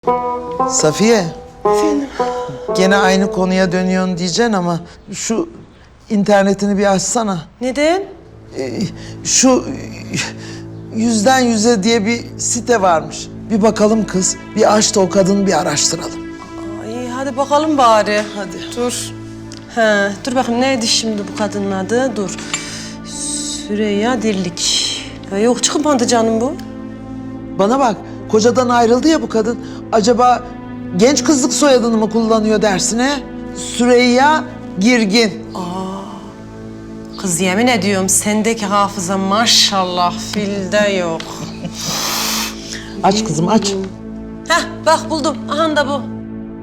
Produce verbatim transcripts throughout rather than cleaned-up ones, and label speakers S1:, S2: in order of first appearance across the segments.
S1: Safiye. Efendim? Gene aynı konuya dönüyorsun diyeceksin ama şu internetini bir açsana.
S2: Neden?
S1: Ee, şu yüzden yüze diye bir site varmış. Bir bakalım kız. Bir aç da o kadını bir araştıralım.
S2: Ay, hadi bakalım bari.
S1: Hadi.
S2: Dur. Ha, dur bakayım neydi şimdi bu kadının adı? Dur. Süreyya Dirlik. Ya yok çıkmadı canım bu.
S1: Bana bak, kocadan ayrıldı ya bu kadın. Acaba genç kızlık soyadını mı kullanıyor dersine? Süreyya Girgin.
S2: Kız yemin ediyorum sendeki hafıza maşallah filde yok.
S1: Aç kızım, aç.
S2: Heh bak buldum. Aha da bu.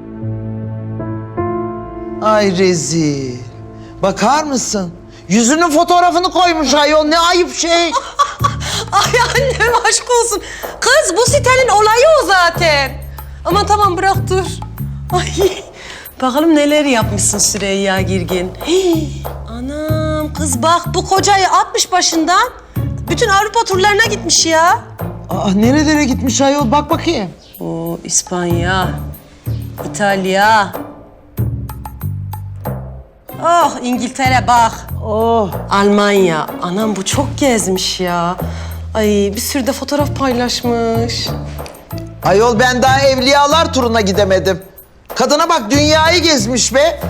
S1: Ay rezil. Bakar mısın? Yüzünün fotoğrafını koymuş ayol. Ne ayıp şey.
S2: Ay annem aşk olsun. Kız bu sitenin olayı o zaten. Aman tamam bırak dur. Ay bakalım neler yapmışsın Süreyya Girgin. Hii, anam kız bak bu kocayı atmış başından. Bütün Avrupa turlarına gitmiş ya.
S1: Aa, nerelere gitmiş ayol? Bak bakayım.
S2: O İspanya, İtalya. Oh İngiltere bak.
S1: Oh.
S2: Almanya. Anam bu çok gezmiş ya. Ay bir sürü de fotoğraf paylaşmış.
S1: Ayol ben daha Evliyalar turuna gidemedim. Kadına bak dünyayı gezmiş be.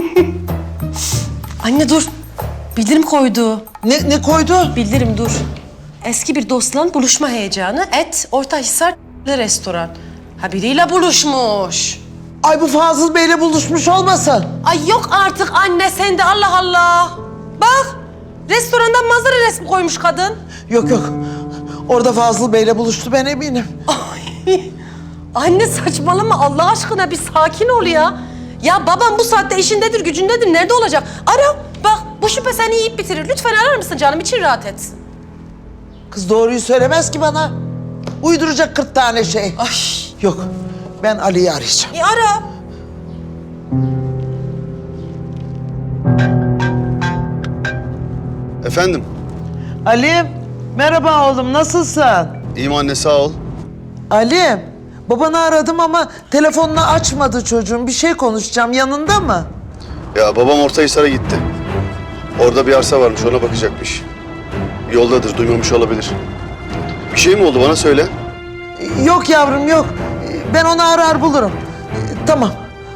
S2: Anne dur. Bildirim koydu.
S1: Ne, ne koydu?
S2: Bildirim dur. Eski bir dostla buluşma heyecanı. Et Ortahisar restoran. Ha biriyle buluşmuş.
S1: Ay bu Fazıl Bey'le buluşmuş olmasın?
S2: Ay yok artık anne sen de Allah Allah. Bak restorandan manzara resmi koymuş kadın.
S1: Yok yok. Orada Fazıl Bey'le buluştu ben eminim.
S2: Ay, anne saçmalama Allah aşkına bir sakin ol ya. Ya babam bu saatte işindedir, gücündedir. Nerede olacak? Ara. Bak bu şüphe seni yiyip bitirir. Lütfen arar mısın canım? İçin rahat etsin.
S1: Kız doğruyu söylemez ki bana. Uyduracak kırk tane şey.
S2: Ay.
S1: Yok. Ben Ali'yi arayacağım.
S2: E ara.
S3: Efendim?
S1: Ali, merhaba oğlum. Nasılsın?
S3: İyiyim anne, sağ ol.
S1: Ali, babanı aradım ama telefonunu açmadı çocuğum. Bir şey konuşacağım. Yanında mı?
S3: Ya babam Ortahisar'a gitti. Orada bir arsa varmış, ona bakacakmış. Yoldadır, duymamış olabilir. Bir şey mi oldu, bana söyle.
S1: Yok yavrum, yok. Ben onu arar bulurum. Tamam.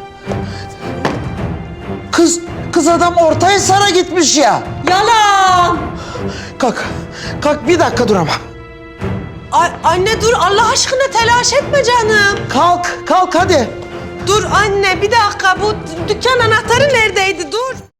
S1: Kız, kız adam Ortahisar'a gitmiş ya.
S2: Yalan.
S1: Kalk, kalk bir dakika dur ama.
S2: Ay, anne dur Allah aşkına telaş etme canım.
S1: Kalk, kalk hadi.
S2: Dur anne bir dakika bu dükkan anahtarı neredeydi dur.